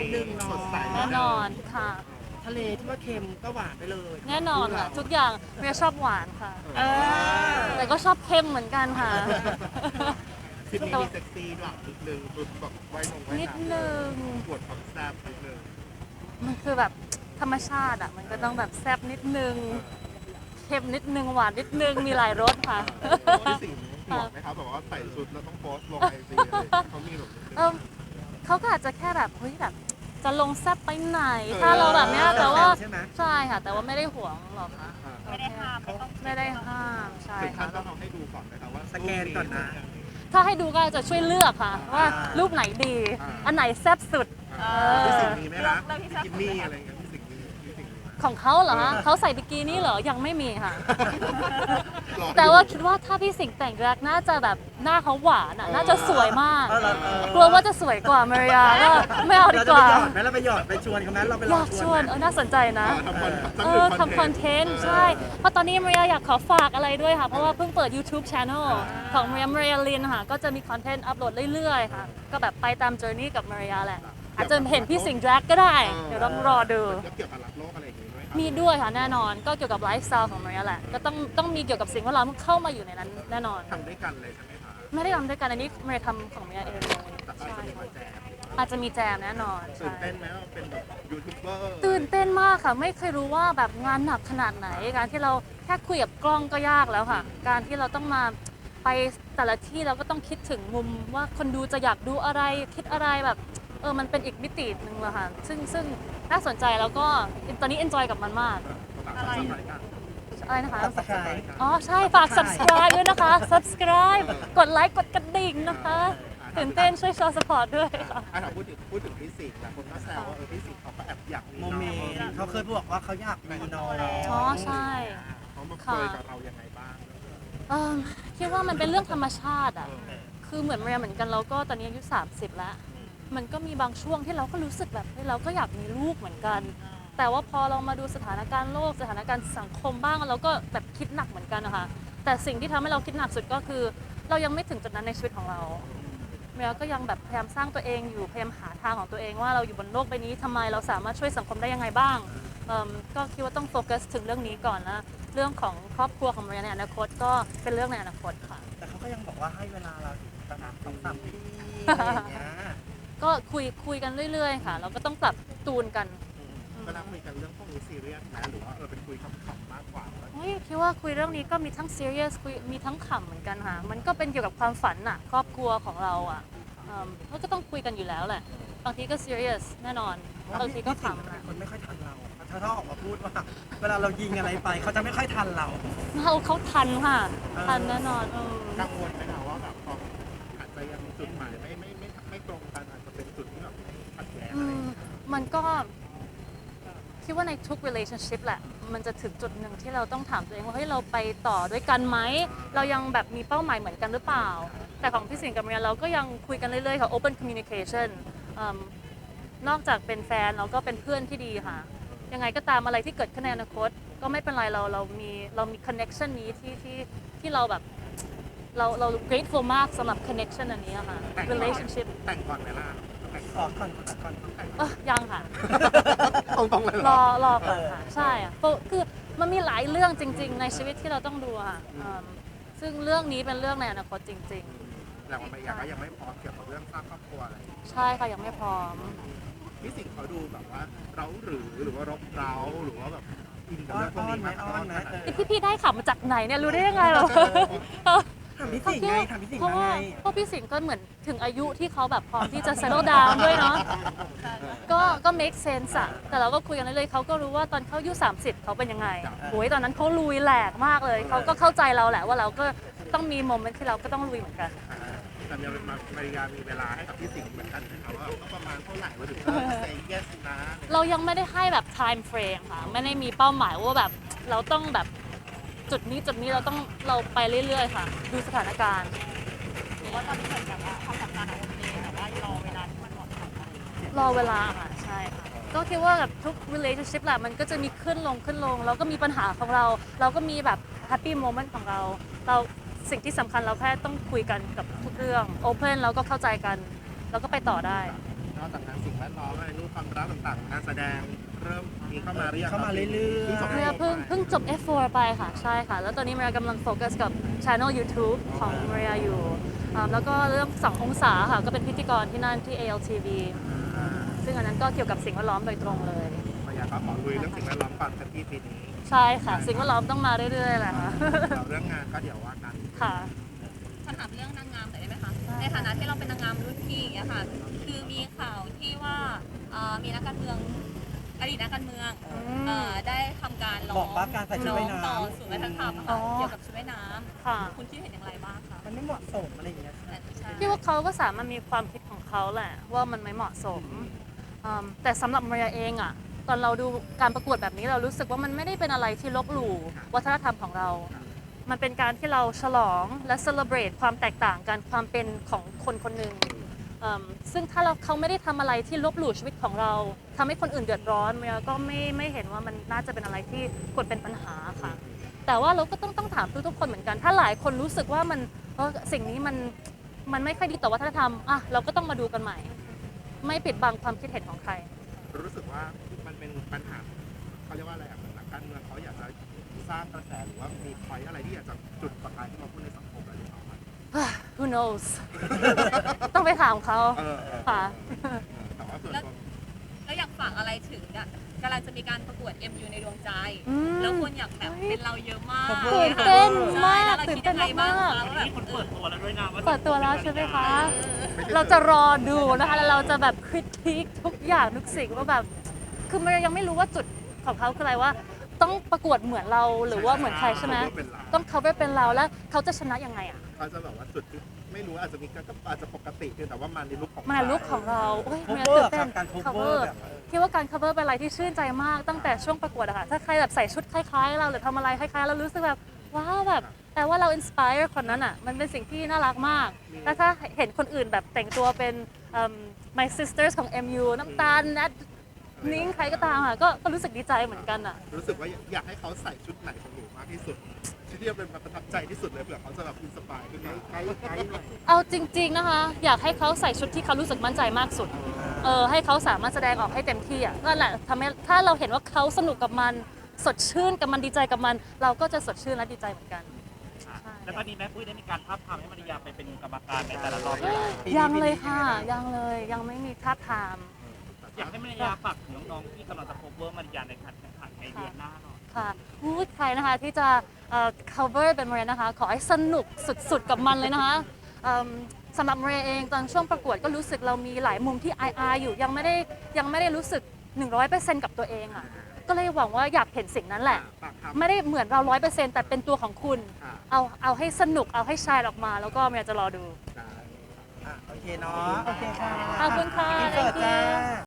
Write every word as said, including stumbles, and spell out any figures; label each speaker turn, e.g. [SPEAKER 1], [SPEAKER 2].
[SPEAKER 1] นึงเนาะ
[SPEAKER 2] แน่นอนค่ะ
[SPEAKER 1] ทะเลที่ว่าเค็มก็หวานไปเลย
[SPEAKER 2] แน่นอนค่ะทุกอย่างเมียชอบหวานค่ะ
[SPEAKER 1] เออ
[SPEAKER 2] แต่ก็ชอบเค็มเหมือนกันค่ะ
[SPEAKER 3] คลิปนี้มีเซ็กซี่ด้วยนิดนึงรุดแบบไว้ลงไว้
[SPEAKER 2] นิดนึง
[SPEAKER 3] ปวดความแซ่บนิดนึง
[SPEAKER 2] มันคือแบบธรรมชาติอ่ะมันก็ต้องแบบแซ่บนิดนึงเค็มนิดนึงหวานนิดนึงมีหลายรสค่ะ
[SPEAKER 3] พี่สิงห์ห่วงไหมครับแบบว่าใส่ชุดแล้วต้องโพสต์ลงไอจีเขามีแบบ
[SPEAKER 2] เออเขาก็อาจจะแค่แบบเฮ้ยแบบจะลงแซ่บไปไหน ถ้าเราแบบเนี้ยแต่ว่า
[SPEAKER 1] ใช่ไหม
[SPEAKER 2] ใช่ค่ะ แต่ว่าไม่ได้ห่วงหรอกค่ะ
[SPEAKER 4] ไม่ได้ห้ามไม่ต้อง
[SPEAKER 2] ไม่ได้ห้ามใช่
[SPEAKER 3] ถึงขั้
[SPEAKER 2] ค่ะ
[SPEAKER 3] นต้องเอาให้ดูก่อนนะครับว่า
[SPEAKER 1] สแกนก่อนนะ
[SPEAKER 2] ถ้าให้ดูก็จะช่วยเลือกค่ะ ว่ารูปไหนดี อันไหนแซ่บสุด
[SPEAKER 3] พี่สิงห์มีไหมนะกินนี่อะไรเงี้ยพี่สิงห์มีพี่สิงห์มีไหม
[SPEAKER 2] ของเขาเหรอคะเขาใส่บิกินี่เหรอยังไม่มีค่ะ
[SPEAKER 3] รออยู่
[SPEAKER 2] แต่ว่าคิดว่าถ้าพี่สิงห์แต่งแรกน่าจะแบบหน้าเขาหวานอ่ะน่าจะสวยมาก
[SPEAKER 1] เออเราเออ
[SPEAKER 2] กลัวว่าจะสวยกว่ามาริยาก็ไม่เอาดี
[SPEAKER 1] เรา
[SPEAKER 2] ก
[SPEAKER 1] จะไป
[SPEAKER 2] ว่า
[SPEAKER 1] หยอดไหมเราไปหยอดไปชวนเขาไหมเราไปลอย
[SPEAKER 2] อาง ก
[SPEAKER 1] ช
[SPEAKER 2] ช
[SPEAKER 1] ว
[SPEAKER 2] วน น
[SPEAKER 1] ไหม
[SPEAKER 2] เออน่าสนใจนะ
[SPEAKER 3] ทำคอน
[SPEAKER 2] เออทำคอนเทนต์ใช่ เพราะตอนนี้มาริยาอยากขอฝากอะไรด้วยค่ะ เพราะว่าเพิ่งเปิด YouTube Channel ของมาริยามาริยาลินค่ะ ก็จะมีคอนเทนต์อัปโหลดเรื่อยๆค่ะ ก็แบบไปตาม journey กับมาริยาแหละ อาจจะเห็นพี่สิงห์แดรกก็ได้ เดี๋ยวต้องรอดู
[SPEAKER 3] แล้วเกี่ยวกับรักโลกอะไรอย่างงี้ด้วยครับ
[SPEAKER 2] มีด้วยค่ะแน่นอน ก็เกี่ยวกับไลฟ์สไตล์ของมาริยาแหละ ก็ต้องต้องมีเกี่ยวกับสิ่งแวดล้อมเข้ามาอยู่ในนั้นแน่นอน
[SPEAKER 3] ทำด้วยกันเลยใช่ไหมคะ
[SPEAKER 2] ไม่ได้ทำด้วยกันอันนี้มาริยาทำของมาริยาเองเลย
[SPEAKER 3] แต่อาจ
[SPEAKER 2] ใช่
[SPEAKER 3] จะมีมาแจม
[SPEAKER 2] อาจจะมีแจมแน่นอน
[SPEAKER 3] ตื่
[SPEAKER 2] ใช่
[SPEAKER 3] นเต้นไหมว่าเป็นแบบยูทูบเบอร์
[SPEAKER 2] ตื่นเต้นมากค่ะ ไม่เคยรู้ว่าแบบงานหนักขนาดไหน การที่เราแค่คุยกับกล้องก็ยากแล้วค่ะ การที่เราต้องมาไปแต่ละที่เราก็ต้องคิดถึงมุมว่าคนดูจะอยากดูอะไรคิดอะไรแบบเออมันเป็นอีกมิติหนึ่งเลยค่ะ ซึ่งซึ่งน่าสนใจแล้วก็ตอนนี้ enjoy กับมันมาก
[SPEAKER 3] อะไร
[SPEAKER 2] อะไรนะคะ
[SPEAKER 1] Subscribe
[SPEAKER 2] อ๋อใช่ฝาก subscribe ด้วยนะคะ subscribe กดไลค์กดกระดิ่งนะคะตื่นเต้นช่วยชอ support ด้วยค่ะ
[SPEAKER 3] อ่ะถ้าพูดถึงพูดถึงพี่สิงห์นะคนก็แซวว่าเออพี่สิงห์เขาก็แอบอยากมี
[SPEAKER 1] โม
[SPEAKER 3] น้อง
[SPEAKER 1] เมนต์เขาเคยบอกว่าเขาอยากมีน้อง
[SPEAKER 2] อ๋อใช่
[SPEAKER 3] เขามาคุยกับเรายังไงบ้าง
[SPEAKER 2] เอิ่มคิดว่ามันเป็นเรื่องธรรมชาติอ่ะ คือเหมือนเรียเหมือนกันเราก็ตอนนี้อายุสามสิบแล้ว มันก็มีบางช่วงที่เราก็รู้สึกแบบเฮ้ยเราก็อยากมีลูกเหมือนกัน แต่ว่าพอเรามาดูสถานการณ์โลกสถานการณ์สังคมบ้างเราก็แบบคิดหนักเหมือนกันนะคะ แต่สิ่งที่ทำให้เราคิดหนักสุดก็คือ เรายังไม่ถึงจุดนั้นในชีวิตของเราเมียก็ยังแบบพยายามสร้างตัวเองอยู่พยายามหาทางของตัวเองว่าเราอยู่บนโลกใบนี้ทำไมเราสามารถช่วยสังคมได้ยังไงบ้างเอิ่มก็คิดว่าต้องโฟกัสถึงเรื่องนี้ก่อนนะเรื่องของครอบครัวของเมียในอนาคตก็เป็นเรื่องในอนาคตค่ะ
[SPEAKER 1] แต่เขาก็ยังบอกว่าให้เวลาเราอีกประมาณสองสามปีอะไรอย่างเงี้ย
[SPEAKER 2] ก็คุยคุยกันเรื่อยๆค่ะเราก็ต้องปรับตูนกัน
[SPEAKER 3] เวลาคุยกันเรื่องพวกนี้ซีเรียสนะหรือว่าเออเป็นคุยขำๆมากกว่า
[SPEAKER 2] เฮ้ยคิดว่าคุยเรื่องนี้ก็มีทั้ง serious คุยมีทั้งขำเหมือนกันค่ะ มันก็เป็นเกี่ยวกับความฝันน่ะครอบครัวของเราอ่ะเอิ่มก็ต้องคุยกันอยู่แล้วแหละ บางทีก็ serious แน่นอน บางทีก็
[SPEAKER 1] พี่สิงห์
[SPEAKER 2] ขำ
[SPEAKER 1] เป็
[SPEAKER 2] นะ
[SPEAKER 1] นคนไม่ค่อยทันเราถ้าเขาออกมาพูดว่า เวลาเรายิงอะไรไปเขาจะไม่ค่อยทันเรา
[SPEAKER 2] เราเขาทันค่ะ ทันแน่นอนเออ
[SPEAKER 3] กังวลไหมคะว่าแบบพออาจจะยังจุดหมายไม่ไม่ไม่ไม่ตรงกันอาจจะเป็นจุดที่แบบขัดแย้ง
[SPEAKER 2] อื
[SPEAKER 3] อะไร
[SPEAKER 2] มมันก็คิดว่าในทุก relationship แหละ มันจะถึงจุดหนึ่งที่เราต้องถามตัวเองว่าเฮ้ยเราไปต่อด้วยกันไหม เรายังแบบมีเป้าหมายเหมือนกันหรือเปล่า แต่ของพี่สิงห์กับเมียเราก็ยังคุยกันเรื่อยๆค่ะ open communication อืมนอกจากเป็นแฟนเราก็เป็นเพื่อนที่ดีค่ะ ยังไงก็ตามอะไรที่เกิดขึ้นในอนาคต ก็ไม่เป็นไรเราเรามีเรามี connection นี้ที่ที่ที่เราแบบเราเรา grateful มากสำหรับ connection อันนี้อะค่ะ relationship
[SPEAKER 3] แต่งก่อนไหมล่ะแต่ง
[SPEAKER 1] ข
[SPEAKER 3] ก่
[SPEAKER 1] อ
[SPEAKER 3] อน
[SPEAKER 1] ก่อนขอก่อน
[SPEAKER 3] แต่ง
[SPEAKER 2] เออยังค่ะ
[SPEAKER 3] ตรงๆเลยเหร
[SPEAKER 2] ร
[SPEAKER 3] อ
[SPEAKER 2] อรอก่อนค่ะ ใช่อะเพราะคือมันมีหลายเรื่องจริง ๆ ในชีวิตที่เราต้องดูอะค่ะอืมซึ่งเรื่องนี้เป็นเรื่องในอนาคตจริง
[SPEAKER 3] แต่ว่าไม่อยากก็ยังไม่พร้อมเกี่ยวกับเรื่องสร้างครอบครัวอะไร
[SPEAKER 2] ๆ ใช่ค่ะยังไม่พร้อม
[SPEAKER 3] พี่สิงห์เขาดูแบบว่าเราหรือหรือว่ารบเร้าหรือว่าแบบอินกับ
[SPEAKER 1] อ้อ
[SPEAKER 3] เรื่อน งพวก
[SPEAKER 1] อ้อน
[SPEAKER 3] นี้
[SPEAKER 1] ไหม
[SPEAKER 3] มาก
[SPEAKER 1] อ้อนไหมเออ
[SPEAKER 2] พี่พี่ได้ข่าวมาจากไหนเนี่ยรู้ได้ยังไงเหรอ
[SPEAKER 1] ถามพี่สิงห์ไงถามพี่สิงห์
[SPEAKER 2] เพราะ
[SPEAKER 1] มา
[SPEAKER 2] ว่า
[SPEAKER 1] ไง
[SPEAKER 2] เพราะพี่สิงห์ก็เหมือนถึงอายุที่เขาแบบพร้อมที่จะ settle down ด้วยเนาะ ก็ก็ make sense อะแต่เราก็คุยกันเรื่อยๆเขาก็รู้ว่าตอนเขาอายุสามสิบเขาเป็นยังไงโอ้ยตอนนั้นเขาลุยแหลกมากเลย เขาก็เข้าใจเราแหละว่าเราก็ต้องมีโมเมนต์ที่เราก็ต้องลุยเหมือนกัน
[SPEAKER 3] แต่ยังมามาริยามีเวลาให้กับพี่สิงห์เหมือนกันนะครับว่าประมาณเท่าไหร่ว่าถึงจะ say yes นะ
[SPEAKER 2] เรายังไม่ได้ให้แบบ time frame ค่ะ ไม่ได้มีเป้าหมายว่าแบบเราต้องแบบจุดนี้จุดนี้เราต้องเราไปเรื่อยๆค่ะ ดูสถานการณ์
[SPEAKER 4] หรือว่าตอนนี้เหมือนแบบว่าความสัมพันธ์โอเคแต่ว่ารอเวลาที่มันเหมาะสม
[SPEAKER 2] รอเวลาค่ะใช่ค่ะก็คิดว่าแบบทุก relationship แหละมันก็จะมีขึ้นลงขึ้นลงเราก็มีปัญหาของเรา เราก็มีแบบ happy moment ของเรา เราสิ่งที่สำคัญเราแค่ต้องคุยกันกับทุกเรื่อง open แล้วก็เข้าใจกัน แล้วก็ไปต่อได้
[SPEAKER 3] พนอกจากงานสิ่งแวดล้อมอะไรรูปความรักต่างๆงานแสดงเริ่มมีเข้ามาหรือยัง
[SPEAKER 1] เข้ามาเรื่อยๆ
[SPEAKER 3] พิ่งจบ
[SPEAKER 2] เมียเพิ่งเพิ่งจบ เอฟ โฟร์ ไปค่ะ ใช่ค่ะ แล้วตอนนี้เมียกำลังโฟกัสกับช anel YouTube ของเมียอยู่อ่าแล้วก็เรื่องสององศาค่ะ ก็เป็นพิธีกรที่นั่นที่ เอ แอล ที วี ซึ่งอันนั้นก็เกี่ยวกับสิ่งแวดล้อมโดยตรงเลย
[SPEAKER 3] พยายามขอลุยเรื่องสิ่งแวดล้อมก่อนกันที่ปีนี้
[SPEAKER 2] ใช่ค่ะ สิ่งแวดล้อมต้องมาเรื่อยๆแหละค่ะ
[SPEAKER 3] เราเรื่องงานก็เดี๋ยวว่ากัน
[SPEAKER 2] ค่ะ
[SPEAKER 4] คำถามเรื่องนางงามหน่อยได้ไหมคะ ในฐานะที่เราเป็นนางงามรุ่นพี่อย่างเงี้ยค่ะ คือมีข่าวที่ว่าเอ่อมีนักการเมืองอดีตนักการเมืองเอ่อได้ทำการร้
[SPEAKER 1] บ
[SPEAKER 4] อ
[SPEAKER 1] อง กว่าการใส่ชุด
[SPEAKER 4] ร้อ
[SPEAKER 1] ว่าง ยน้ำ
[SPEAKER 4] ต่อศูนย์วัฒนธรรมอะ
[SPEAKER 2] อ๋
[SPEAKER 4] ค่ะ
[SPEAKER 2] อ
[SPEAKER 4] เกี่ยวกับชุดว่ายน้
[SPEAKER 2] ค่ะ
[SPEAKER 4] ำคุณคิดเห็นอย่างไรบ้างคะ
[SPEAKER 1] มันไม่เหมาะสมอะไรอย่างเงี้ยค่ะ
[SPEAKER 4] ใช่
[SPEAKER 2] พี่ว่าเขาก็สามารถมีความคิดของเขาแหละว่ามันไม่เหมาะสมอืมแต่สำหรับมาริยาเองอะตอนเราดูการประกวดแบบนี้เรารู้สึกว่ามันไม่ได้เป็นอะไรที่ลบหลู่วัฒนธรรมของเรา มันเป็นการที่เราฉลองและ celebrate ความแตกต่างกันความเป็นของคนคนหนึ่งอืมซึ่งถ้าเราเขาไม่ได้ทำอะไรที่ลบหลู่ชีวิตของเราทำให้คนอื่นเดือดร้อนเมียก็ไม่ไม่เห็นว่ามันน่าจะเป็นอะไรที่ควรเป็นปัญหาค่ะ แต่ว่าเราก็ต้องต้องถามทุกๆคนเหมือนกัน ถ้าหลายคนรู้สึกว่ามันเออสิ่งนี้มันมันไม่ค่อยดีต่อวัฒนธรรมอ่ะเราก็ต้องมาดูกันใหม่ ไม่ปิดบังความคิดเห็นของใคร
[SPEAKER 3] รู้สึกว่ามันเป็นปัญหาเขาเรียกว่าอะไรอ่ะเหมือนนักการเมืองเขาอยากจะสร้างกระแสหรือว่ามีพอยอะไรที่อยากจะจุดประกายที่มาพูดในสังคมอะไรหรือเปล่า
[SPEAKER 2] Who knows ต้องไปถามเขา
[SPEAKER 3] เออเออ
[SPEAKER 2] ค่ะ
[SPEAKER 3] เออแต่ว่าส่วนตัว
[SPEAKER 4] แล้วอยากฝากอะไรถึงอะกำลังจะมีการประกวด เอ็ม ยู ในดวงใจ
[SPEAKER 2] อืม
[SPEAKER 4] แล้วคนอยากแบบเป็นเราเยอะมาก
[SPEAKER 2] ตื่นเต้นมาก
[SPEAKER 4] ใช่
[SPEAKER 2] ตื่นเต้น
[SPEAKER 4] แล้วรคิดยังไงบ้ง
[SPEAKER 2] มาก
[SPEAKER 4] คะว่าแบบ
[SPEAKER 5] คนเปิดตัวแล้วด้วยนะว่า
[SPEAKER 2] เปิดตัวแล้วใช่ไหมคะ เราจะรอดูนะคะ แล้วเราจะแบบคริติคทุกอย่างทุกสิ่งว่าแบบ คือมันยังไม่รู้ว่าจุดของเขาคืออะไรว่า ต้องประกวดเหมือนเราหรือว่าเหมือนใครใช่ไหม ต้อง cover เป็นเราแล้วเขาจะชนะยังไงอ่ะ
[SPEAKER 3] เขาจะแบบว่าจุดที่ไม่รู้อาจจะมีก็อาจจะปกติเพียงแต่ว่ามาในลุคของ
[SPEAKER 2] มาในลุคของเราโอ้ย
[SPEAKER 1] cover
[SPEAKER 2] เมียตื่นเต้น
[SPEAKER 1] ครับการ cover
[SPEAKER 2] cover
[SPEAKER 1] แบบ
[SPEAKER 2] คิดว่าการ cover เป็นอะไรที่ชื่นใจมากตั้งแต่ช่วงประกวดอะค่ะ ถ้าใครแบบใส่ชุดคล้ายๆ เราหรือทำอะไรคล้ายๆ เรารู้สึกแบบว้าวแบบแต่ว่าเรา inspire คนนั้นอ่ะมันเป็นสิ่งที่น่ารักมาก แล้วถ้าเห็นคนอื่นแบบแต่งตัวเป็นเอิ่ม my sisters ของ เอ็ม ยู น้ำตาลนัดนิ้งใครก็ตามค่ะก็ก็รู้สึกดีใจเหมือนกันอ่ะ
[SPEAKER 3] รู้สึกว่าอยากให้เขาใส่ชุดไหนของหนูมากที่สุดชุดที่เป็นประทับใจที่สุดเลยเผื่อเขาจะแบบอินสปายขึ้นมาไกด์ไกด์หน่อย
[SPEAKER 2] เอาจริง ๆนะคะ อยากให้เขาใส่ชุดที่เขารู้สึกมั่นใจมากสุด เออให้เขาสามารถแสดงออกให้เต็มที่อ่ะนั่นแหละทำให้ถ้าเราเห็นว่าเขาสนุกกับมันสดชื่นกับมันดีใจกับมัน เราก็จะสดชื่นและดีใจเหมือนกัน
[SPEAKER 5] แล้วตอนนี้แม่ปุ้ยได้มีการท้าบทามให้มาริยาไปเป็นกรรมการในแต่ละรอบยัง
[SPEAKER 2] ยังเลยค่ะยังเลยยังไม่มีท่าบทาม
[SPEAKER 5] อยากให้มาริยาฝากถึงน้องๆที่กำลังจะ cover มาริยาในการแข่งขันในเดือนหน้าหน่อย
[SPEAKER 2] ค่ะพูดใครนะคะที่จะเอ่อ cover เป็นมาเรียนะคะ ขอให้สนุกสุดๆกับมันเลยนะคะเอิ่มสำหรับมาเรียเองตอนช่วงประกวดก็รู้สึกเรามีหลายมุมที่อายๆอยู่ยังไม่ได้ยังไม่ได้รู้สึก หนึ่งร้อยเปอร์เซ็นต์ กับตัวเองอ่ะก็เลยหวังว่าอยากเห็นสิ่งนั้นแหละ
[SPEAKER 3] ฝากทำ
[SPEAKER 2] ไม่ได้เหมือนเรา ร้อยเปอร์เซ็นต์ แต่เป็นตัวของคุณ
[SPEAKER 3] ค่ะ
[SPEAKER 2] เอาเอาให้สนุกเอาให้ชายออกมา แล้วก็เมียจะรอดู
[SPEAKER 3] ได้
[SPEAKER 1] อ่ะโอเคเนาะโอเคค่ะ
[SPEAKER 2] ขอบคุณค่ะ
[SPEAKER 1] อินเสิร์ต
[SPEAKER 2] thank you
[SPEAKER 1] จ้า